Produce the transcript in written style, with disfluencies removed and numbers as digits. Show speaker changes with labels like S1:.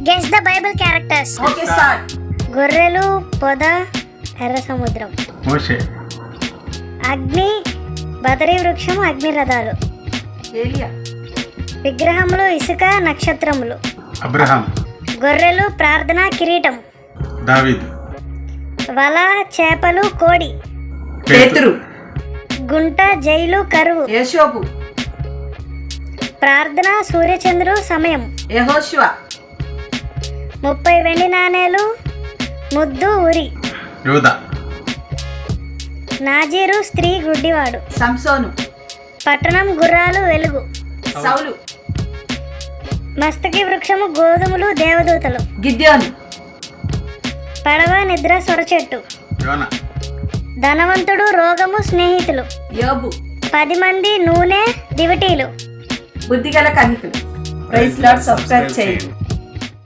S1: Guess the Bible characters.
S2: Okay start.
S1: గొర్రెలు, పొద, ఎర్ర సముద్రం.
S3: మోషే.
S1: అగ్ని, బదరీ వృక్షము, అగ్ని రథాలు.
S2: ఏలియా.
S1: విగ్రహములు, ఇసుక, నక్షత్రములు.
S3: అబ్రహాం.
S1: గొర్రెలు, ప్రార్థన, కిరీటం.
S3: దావీదు.
S1: వల, చేపలు, కోడి.
S2: పేతురు.
S1: గుంట, జైలు, కరువు.
S2: యేషోబు.
S1: ప్రార్థన, సూర్యచంద్రుడు, సమయం.
S2: యెహోషువ.
S1: 30 వెండి నాణేలు, ముద్దు, ఉరి.
S3: యూదా.
S1: నాజీరు, స్త్రీ, గుడ్డివాడు.
S2: సంసోను.
S1: పట్టణం, గుర్రాలు, వెలుగు.
S2: సౌలు.
S1: మస్తకి వృక్షము, గోధుమలు, దేవదూతలు.
S2: గిద్యోను.
S1: పడవ, నిద్ర, సొరచెట్టు.
S3: యోనా.
S1: ధనవంతుడు, రోగము, స్నేహితులు.
S2: యోబు.
S1: 10 మంది, నూనె, దివిటీలు.
S2: బుద్ధిగల కన్నికలు. Praise lord. సబ్స్క్రైబ్ చేయండి.